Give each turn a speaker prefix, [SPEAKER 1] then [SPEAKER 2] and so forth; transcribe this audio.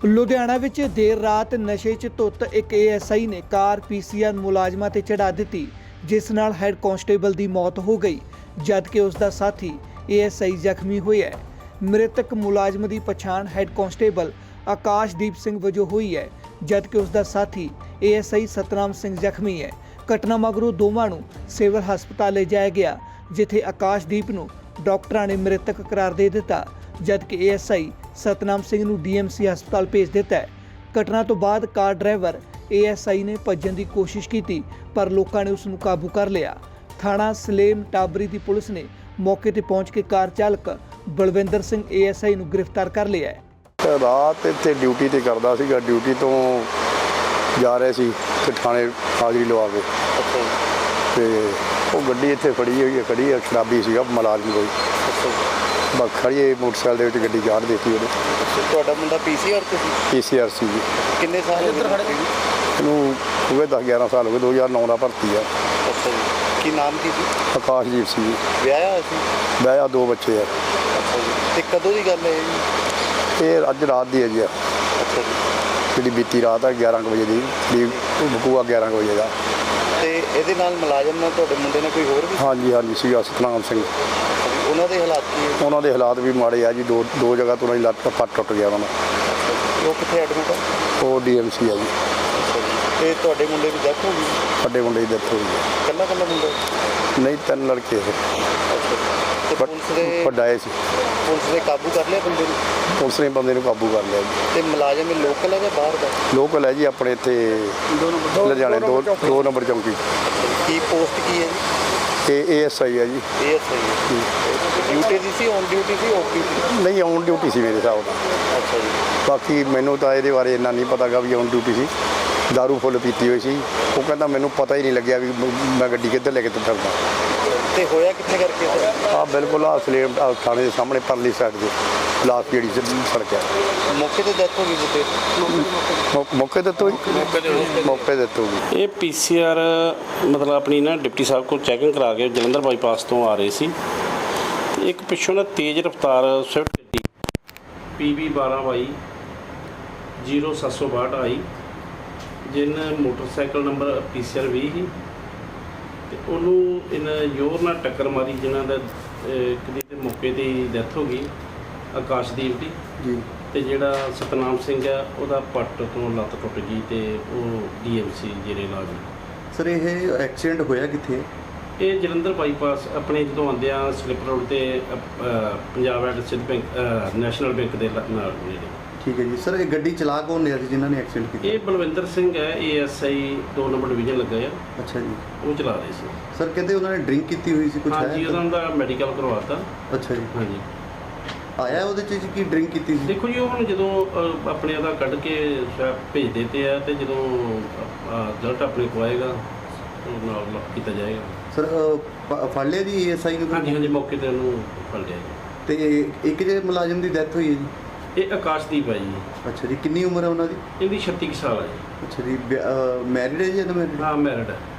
[SPEAKER 1] ਲੁਧਿਆਣਾ ਵਿੱਚ ਦੇਰ ਰਾਤ ਨਸ਼ੇ 'ਚ ਧੁੱਤ ਇੱਕ ਏਐਸਆਈ ਨੇ ਕਾਰ ਪੀਸੀਆਰ ਮੁਲਾਜ਼ਮਾਂ ਤੇ ਚੜਾ ਦਿੱਤੀ, ਜਿਸ ਨਾਲ ਹੈੱਡ ਕਾਂਸਟੇਬਲ ਦੀ ਮੌਤ ਹੋ ਗਈ, ਜਦਕਿ ਉਸ ਦਾ ਸਾਥੀ ਏਐਸਆਈ ਜ਼ਖਮੀ ਹੋਇਆ ਹੈ। ਮ੍ਰਿਤਕ ਮੁਲਾਜ਼ਮ ਦੀ ਪਛਾਣ ਹੈੱਡ ਕਾਂਸਟੇਬਲ ਆਕਾਸ਼ਦੀਪ ਸਿੰਘ ਵਜੋਂ ਹੋਈ ਹੈ, ਜਦਕਿ ਉਸ ਦਾ ਸਾਥੀ ਏਐਸਆਈ ਸਤਨਾਮ ਸਿੰਘ ਜ਼ਖਮੀ ਹੈ। ਘਟਨਾ ਮਗਰੋਂ ਦੋਵਾਂ ਨੂੰ ਸਿਵਲ ਹਸਪਤਾਲ ਲਿਜਾਇਆ ਗਿਆ, ਜਿੱਥੇ ਆਕਾਸ਼ਦੀਪ ਨੂੰ ਡਾਕਟਰਾਂ ਨੇ ਮ੍ਰਿਤਕ ਕਰਾਰ ਦੇ ਦਿੱਤਾ, ਜਦਕਿ ਏਐਸਆਈ ਸਤਨਾਮ ਸਿੰਘ ਨੂੰ ਡੀਐਮਸੀ ਹਸਪਤਾਲ ਭੇਜ ਦਿੱਤਾ ਹੈ। ਘਟਨਾ ਤੋਂ ਬਾਅਦ ਕਾਰ ਡਰਾਈਵਰ ਏਐਸਆਈ ਨੇ ਭੱਜਣ ਦੀ ਕੋਸ਼ਿਸ਼ ਕੀਤੀ, ਪਰ ਲੋਕਾਂ ਨੇ ਉਸ ਨੂੰ ਕਾਬੂ ਕਰ ਲਿਆ। ਥਾਣਾ ਸਲੇਮ ਟਾਬਰੀ ਦੀ ਪੁਲਿਸ ਨੇ ਮੌਕੇ ਤੇ ਪਹੁੰਚ ਕੇ ਕਾਰ ਚਾਲਕ ਬਲਵਿੰਦਰ ਸਿੰਘ ਏਐਸਆਈ ਨੂੰ ਗ੍ਰਿਫਤਾਰ ਕਰ ਲਿਆ ਹੈ।
[SPEAKER 2] ਰਾਤ ਇੱਥੇ ਡਿਊਟੀ ਤੇ ਕਰਦਾ ਸੀਗਾ, ਡਿਊਟੀ ਤੋਂ ਜਾ ਰਹੇ ਸੀ ਤੇ ਥਾਣੇ ਹਾਜ਼ਰੀ ਲਵਾ ਕੇ ਤੇ ਉਹ ਗੱਡੀ ਇੱਥੇ ਫੜੀ ਹੋਈ ਹੈ, ਖੜੀ ਹੈ, ਸ਼ਰਾਬੀ ਸੀਗਾ ਮੁਲਾਜ਼ਮ ਕੋਈ। ਬਸ ਖੜੀਏ ਮੋਟਰਸਾਈਕਲ ਦੇ ਵਿੱਚ ਗੱਡੀ ਚਾੜ ਦਿੱਤੀ ਉਹਨੇ।
[SPEAKER 3] ਤੁਹਾਡਾ ਮੁੰਡਾ ਪੀਸੀਆਰ ਤੇ ਸੀ?
[SPEAKER 2] ਪੀਸੀਆਰ ਸੀ ਜੀ।
[SPEAKER 3] ਕਿੰਨੇ ਸਾਲ ਇੱਧਰ ਖੜੇ ਸੀ?
[SPEAKER 2] ਇਹਨੂੰ ਹੋ ਗਏ 10-11 ਸਾਲ ਹੋ ਗਏ, 2009 ਦਾ ਭਰਤੀ ਆ।
[SPEAKER 3] ਅੱਛਾ ਜੀ। ਕੀ ਨਾਮ ਕੀ ਸੀ?
[SPEAKER 2] ਆਕਾਸ਼ਦੀਪ ਸੀ ਜੀ।
[SPEAKER 3] ਵਿਆਹਿਆ ਹੋਇਆ ਸੀ?
[SPEAKER 2] ਵਿਆਹਿਆ, 2 ਬੱਚੇ ਆ।
[SPEAKER 3] ਅੱਛਾ ਜੀ। ਤੇ ਕਦੋਂ ਦੀ ਗੱਲ ਹੈ ਜੀ?
[SPEAKER 2] ਇਹ ਅੱਜ ਰਾਤ ਦੀ ਹੈ ਜੀ।
[SPEAKER 3] ਅੱਛਾ ਜੀ।
[SPEAKER 2] ਜਿਹੜੀ ਬੀਤੀ ਰਾਤ ਆ 11 ਕੁ ਵਜੇ ਦੀ, ਬਕੂਆ 11 ਕੁ ਵਜੇ ਦਾ।
[SPEAKER 3] ਤੇ ਇਹਦੇ ਨਾਲ ਮੁਲਾਜ਼ਮ ਨਾਲ ਤੁਹਾਡੇ ਮੁੰਡੇ ਨੇ ਕੋਈ ਹੋਰ ਵੀ?
[SPEAKER 2] ਹਾਂਜੀ ਸੀਗਾ ਸਤਨਾਮ ਸਿੰਘ।
[SPEAKER 3] ਉਹਨਾਂ ਦੇ ਹਾਲਾਤ ਕੀ ਹੈ?
[SPEAKER 2] ਉਹਨਾਂ ਦੇ ਹਾਲਾਤ ਵੀ ਮਾੜੇ ਆ ਜੀ। ਦੋ ਜਗ੍ਹਾ ਤੋਂ ਉਹਨਾਂ ਦੀ ਲੱਤ ਪੱਟ ਟੁੱਟ ਗਿਆ ਉਹਨਾਂ ਦਾ।
[SPEAKER 3] ਉਹ ਕਿੱਥੇ ਐਡਮਿਟ ਹੈ?
[SPEAKER 2] ਉਹ ਡੀਐਮਸੀ ਆ ਜੀ।
[SPEAKER 3] ਤੇ ਤੁਹਾਡੇ ਮੁੰਡੇ ਦੀ ਡੈਥ ਹੋ ਗਈ?
[SPEAKER 2] ਵੱਡੇ ਮੁੰਡੇ ਦੀ ਡੈਥ ਹੋ ਗਈ ਹੈ।
[SPEAKER 3] ਕੱਲਾ ਮੁੰਡਾ?
[SPEAKER 2] ਨਹੀਂ, 3 ਲੜਕੇ ਹੈ।
[SPEAKER 3] ਤੇ
[SPEAKER 2] ਵੱਡਾ ਇਹ ਸੀ।
[SPEAKER 3] ਪੁਲਿਸ ਨੇ ਕਾਬੂ ਕਰ ਲਿਆ ਬੰਦੇ ਨੂੰ?
[SPEAKER 2] ਪੁਲਿਸ ਨੇ ਬੰਦੇ ਨੂੰ ਕਾਬੂ ਕਰ ਲਿਆ ਜੀ।
[SPEAKER 3] ਤੇ ਮੁਲਾਜ਼ਮ ਇਹ ਲੋਕਲ ਹੈ ਜਾਂ ਬਾਹਰ ਦਾ?
[SPEAKER 2] ਲੋਕਲ ਹੈ ਜੀ, ਆਪਣੇ ਇੱਥੇ ਲੁਧਿਆਣੇ 2 ਨੰਬਰ ਚੌਂਕੀ।
[SPEAKER 3] ਕੀ ਪੋਸਟ ਕੀ ਹੈ ਜੀ?
[SPEAKER 2] ਇਹ ਏਐਸਆਈ ਹੈ ਜੀ।
[SPEAKER 3] ਏਐਸਆਈ ਡਿਊਟੀ ਦੀ ਸੀ, ਔਨ ਡਿਊਟੀ ਸੀ, ਆਫ ਡਿਊਟੀ?
[SPEAKER 2] ਨਹੀਂ, ਔਨ ਡਿਊਟੀ ਸੀ ਮੇਰੇ ਹਿਸਾਬ ਨਾਲ।
[SPEAKER 3] ਅੱਛਾ ਜੀ।
[SPEAKER 2] ਬਾਕੀ ਮੈਨੂੰ ਤਾਂ ਇਹਦੇ ਬਾਰੇ ਇੰਨਾ ਨਹੀਂ ਪਤਾ ਗਾ ਵੀ ਔਨ ਡਿਊਟੀ ਸੀ। ਦਾਰੂ ਫੁੱਲ ਪੀਤੀ ਹੋਈ ਸੀ। ਉਹ ਕਹਿੰਦਾ ਮੈਨੂੰ ਪਤਾ ਹੀ ਨਹੀਂ ਲੱਗਿਆ ਵੀ ਮੈਂ ਗੱਡੀ ਕਿੱਧਰ ਲੈ ਕੇ ਤੁਰਦਾ।
[SPEAKER 3] ਤੇ ਹੋਇਆ ਕਿੱਥੇ ਕਰਕੇ?
[SPEAKER 2] ਬਿਲਕੁਲ ਸਲੇਮ ਥਾਣੇ ਦੇ ਸਾਹਮਣੇ ਪਰਲੀ ਸਾਈਡ ਦੇ ਲਾਸਟ ਜਿਹੜੀ ਸੜਕ ਹੈ।
[SPEAKER 3] ਮੌਕੇ ਤੇ ਡੈਥ ਹੋ ਗਈ ਜੀ?
[SPEAKER 2] ਮੌਕੇ ਤੇ ਹੋ ਗਈ।
[SPEAKER 4] ਇਹ ਪੀਸੀਆਰ ਮਤਲਬ ਆਪਣੀ ਨਾ ਡਿਪਟੀ ਸਾਹਿਬ ਕੋਲ ਚੈਕਿੰਗ ਕਰਾ ਕੇ ਜਲੰਧਰ ਬਾਈਪਾਸ ਤੋਂ ਆ ਰਹੇ ਸੀ ਤੇ ਇੱਕ ਪਿੱਛੋਂ ਨਾ ਤੇਜ਼ ਰਫ਼ਤਾਰ ਸਵਿਫਟ ਗੱਡੀ PB 1222 0762 ਆਈ, ਜਿਹਨੇ ਮੋਟਰਸਾਈਕਲ ਨੰਬਰ ਪੀਸੀਆਰ 20 ਸੀ ਤੇ ਉਹਨੂੰ ਇਹਨਾਂ ਜ਼ੋਰ ਨਾਲ ਟੱਕਰ ਮਾਰੀ, ਜਿਨ੍ਹਾਂ ਦਾ ਇੱਕ ਦੀ ਤੇ ਮੌਕੇ ਤੇ ਡੈਥ ਹੋ ਗਈ ਆਕਾਸ਼ਦੀਪ ਦੀ
[SPEAKER 2] ਜੀ।
[SPEAKER 4] ਤੇ ਜਿਹੜਾ ਸਤਨਾਮ ਸਿੰਘ ਆ ਉਹਦਾ ਪੱਟ ਤੋਂ ਲੱਤ ਟੁੱਟ ਗਈ ਤੇ ਉਹ ਡੀਐਮਸੀ ਜਿਹੜੇ ਇਲਾਜ।
[SPEAKER 5] ਸਰ ਇਹ ਐਕਸੀਡੈਂਟ ਹੋਇਆ ਕਿੱਥੇ?
[SPEAKER 4] ਇਹ ਜਲੰਧਰ ਬਾਈਪਾਸ ਆਪਣੇ ਜਦੋਂ ਆਉਂਦੇ ਆ ਸਲਿੱਪ ਰੋਡ ਤੇ Punjab and Sind bank national bank ਦੇ ਨਾਲ ਨੇੜੇ।
[SPEAKER 5] ਠੀਕ ਹੈ ਜੀ। ਸਰ ਇਹ ਗੱਡੀ ਚਲਾ ਕੌਣ ਰਿਹਾ ਸੀ ਜਿਨ੍ਹਾਂ ਨੇ ਐਕਸੀਡੈਂਟ ਕੀਤਾ?
[SPEAKER 4] ਇਹ ਬਲਵਿੰਦਰ ਸਿੰਘ ਹੈ, ਏਐਸਆਈ 2 ਨੰਬਰ ਡਿਵੀਜ਼ਨ ਲੱਗਾ ਆ।
[SPEAKER 5] ਅੱਛਾ ਜੀ।
[SPEAKER 4] ਉਹ ਚਲਾ ਰਹੇ ਸੀ।
[SPEAKER 5] ਸਰ ਕਹਿੰਦੇ ਉਹਨਾਂ ਨੇ ਡਰਿੰਕ ਕੀਤੀ ਹੋਈ ਸੀ ਕੁਝ?
[SPEAKER 4] ਹਾਂਜੀ, ਉਹਨਾਂ ਦਾ ਮੈਡੀਕਲ ਕਰਵਾਤਾ।
[SPEAKER 5] ਅੱਛਾ ਜੀ।
[SPEAKER 4] ਹਾਂਜੀ।
[SPEAKER 5] ਆਇਆ ਉਹਦੇ 'ਚ ਕੀ ਡਰਿੰਕ ਕੀਤੀ ਸੀ?
[SPEAKER 4] ਦੇਖੋ ਜੀ, ਉਹ ਹੁਣ ਜਦੋਂ ਆਪਣੇ ਉਹਦਾ ਕੱਢ ਕੇ ਭੇਜ ਦਿੱਤੇ ਆ ਤੇ ਜਦੋਂ ਰਿਜ਼ਲਟ ਆਪਣੇ ਕੋਲ ਆਏਗਾ ਉਹ ਨਾਲ ਕੀਤਾ ਜਾਏਗਾ।
[SPEAKER 5] ਸਰ ਫੜ ਲਿਆ ਜੀ ਏਐਸਆਈ ਨੂੰ?
[SPEAKER 4] ਹਾਂਜੀ, ਮੌਕੇ ਤੇ ਉਹਨੂੰ ਫੜ ਲਿਆ ਜੀ।
[SPEAKER 5] ਤੇ ਇੱਕ ਜੇ ਮੁਲਾਜ਼ਮ ਦੀ ਡੈਥ ਹੋਈ ਹੈ ਜੀ?
[SPEAKER 4] ਇਹ ਆਕਾਸ਼ਦੀਪ ਹੈ ਜੀ।
[SPEAKER 5] ਅੱਛਾ ਜੀ। ਕਿੰਨੀ ਉਮਰ ਹੈ ਉਹਨਾਂ ਦੀ?
[SPEAKER 4] ਇਹਦੀ 36 ਸਾਲ ਹੈ ਜੀ।
[SPEAKER 5] ਅੱਛਾ ਜੀ। ਮੈਰਿਡ ਹੈ ਜੀ? ਅਨਮੈਰਿਡ?
[SPEAKER 4] ਹਾਂ, ਮੈਰਿਡ ਹੈ।